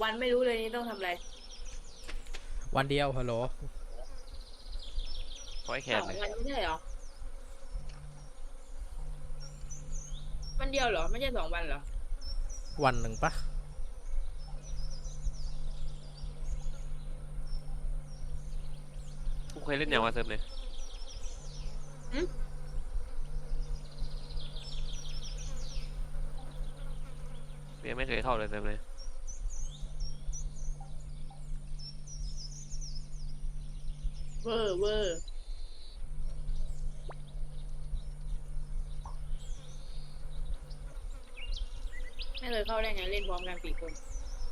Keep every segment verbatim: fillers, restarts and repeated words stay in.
วันไม่รู้เลยนี่ต้องทำอะไรวันเดียวฮัลโหลเพราะไอ้แคสนองเลยวันไม่ใช่เหรอวันเดียวเหรอไม่ใช่สองวันเหรอวันหนึ่งปะกูเคยเล่นอย่างว่าเซิร์ฟเลยยังไม่เคยเข้าเลยเซิร์ฟเลยเวอร์เวอร์ไม่เคยเข้าได้ไงเล่นพร้อมกันสี่คน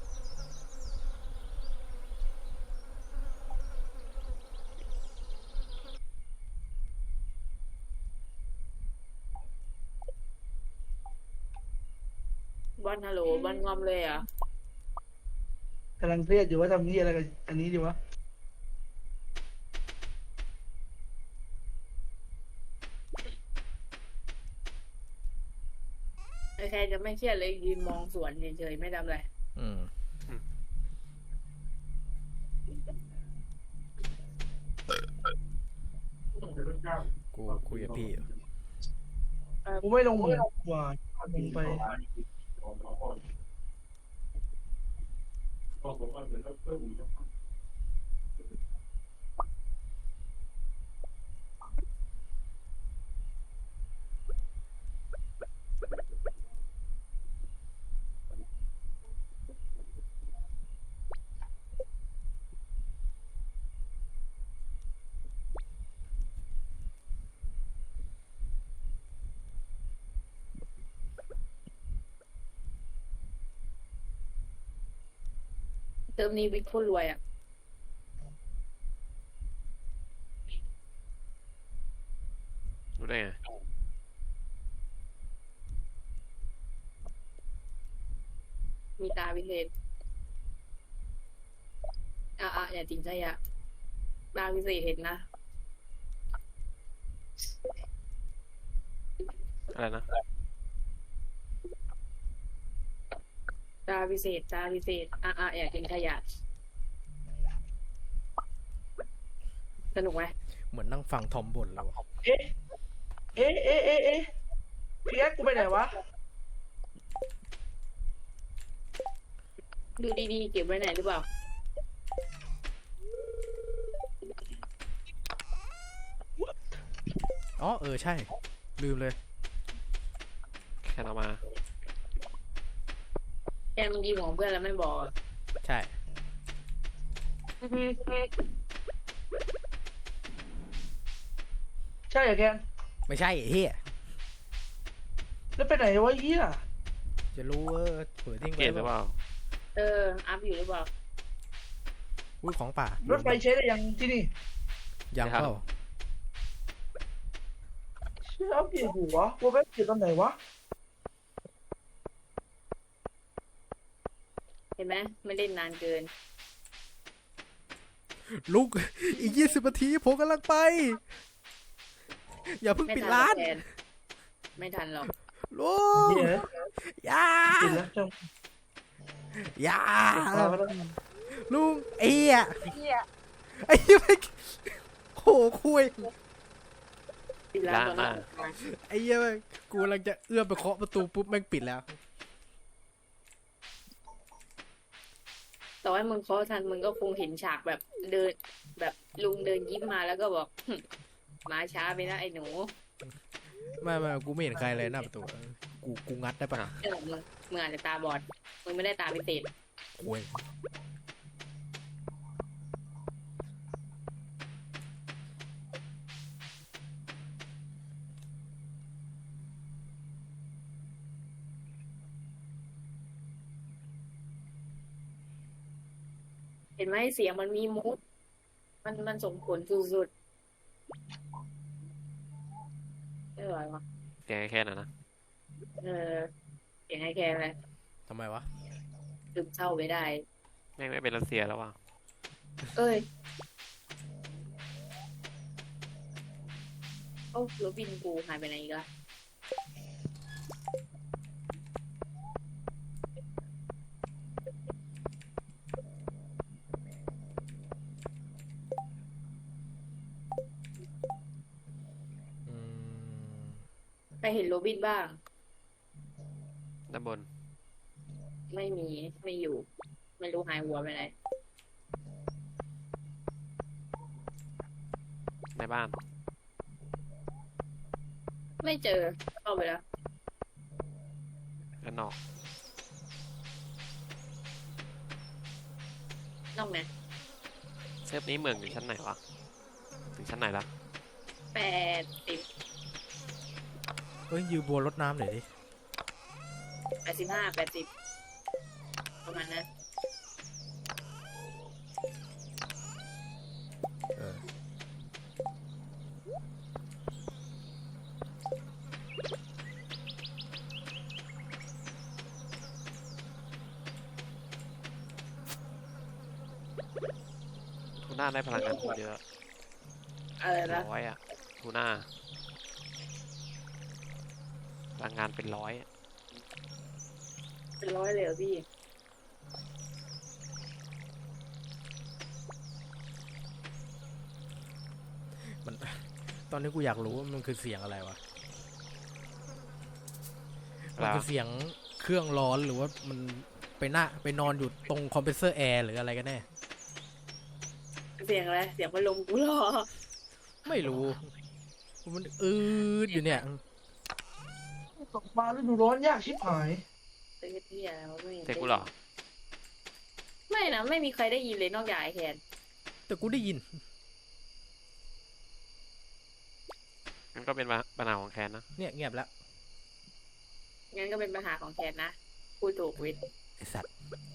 บอลฮัลโหลบอลงอมเลยอ่ะกำลังเครียดอยู่ว่าทำนี่อะไรกับอันนี้ดีวะใครจะไม่เครียดเลยยืนมองสวนเฉยๆไม่ทำอะไรอืมกูคุยกับพี่อยู่กูไม่ลงเหมือนกว่าลงไปเติมนี้วิกโคตรรวยอ่ะรู้ได้ไงมีตาวิเศษอ่ะอ่ะอย่าจริงใจอ่ะตาวิเศษเห็นนะอะไรนะตาวิเศษตาวิเศษอ่ะอ่ะอย่าทิ้งขยะสนุกไหมเหมือนนั่งฟังทอมบ่นแล้วเอ๊ะเอ๊ะเอ๊ะเอ๊ะเอ๊ะพี่แอ๊กกูไปไหนวะดูดีๆเก็บไว้ไหนหรือเปล่าอ๋อเออใช่ลืมเลยแคนเอามาแกมึงดีของเพื่อนแล้วไม่บอกอะใช่ใช่เหรอแกนไม่ใช่ไอ้เฮียแล้วไปไหนวะเฮียจะรู้เออเปิดทิ้งเกไว้มหรือเปล่าเอออัพอยู่หรือเปล่าอุ้ยของป่ารถไฟใช้ได้ยังที่นี่ยังเปล่าเชื่อเอาเปลี่ยนหัวกูไปเปลี่ยนตอนไหนวะเห็นไหมไม่เล่นนานเกินลุกอีกยี่สิบนาทีผมกำลังไปอย่าเพิ่งไม่ปิดทันหรร้าอกนแทนไม่ทันหรอกลุกเฮียอย่าปิดแล้วจังอย่ามาแล้วลุงไอ้เหี้ยไอ้เหี้ยไม่โหคุยปิดร้านตอนนั้นไอ้เหี้ยกูกำลังจะเอื้อมไปเคาะประตูปุ๊บแม่งปิดแล้วต่อให้มึงเคาะทันมึงก็คงเห็นฉากแบบเดินแบบลุงเดินยิ้มมาแล้วก็บอกหึมาช้าไปนะไอ้หนูไม่ไม่กูไม่เห็นใครเลยหน้าประตูกูกูงัดได้ปะเออมึงมึงอาจจะตาบอดมึงไม่ได้ตาพิเศษโอ้ยเห็นไหมเสียงมันมีมูดมันมันส่งผลสุดๆไม่ไหววะเสียงไอ้แคนอ่ะนะเออเสียงให้แค่อะไรทำไมวะลืมเศร้าไปได้แม่งไม่เป็นรัสเซียแล้วว่ะเอ้ยโอ้รถบินกูหายไปไหนอีกละไปเห็นโรบินบ้างด้านบนไม่มีไม่อยู่ ไม่รู้หายหัวไปไหนในบ้านไม่เจอเข้าไปแล้วด้านนอกนอกไหนเซิร์ฟนี้เมืองอยู่ชั้นไหนวะ ถึงชั้นไหนละแปดสิบเฮ้ยยืมบัวรดน้ำหน่อยดิแปดสิบห้าแปดสิบประมาณนั้นเออทูน่าได้พลังงานโคตรเยอะอะไรนะร้อยอะทูน่าพลังงานเป็นร้อยอะเป็นร้อยเลยเหรอพี่มัน ตอนนี้กูอยากรู้ว่ามันคือเสียงอะไรวะ มันแล้วคือเสียงเครื่องร้อนหรือว่ามันไปหน้าไปนอนอยู่ตรงคอมเพรสเซอร์แอร์หรืออะไรกันแน่เสียงอะไร เสียงพัดลมกูเหรอไม่รู้ มันอืดอยู่เนี่ยตกปลาฤดูร้อนยากชิบหายเตือนที่อะไรวะไม่เจ๊กูเหรอไม่นะ ไม่มีใครได้ยินเลยนอกจากไอแคนแต่กูได้ยินมันก็เป็นปัญหาของแคนนะเนี่ยเงียบแล้วงั้นก็เป็นปัญหาของแคนนะพูดถูกวิทย์ไอสัตว์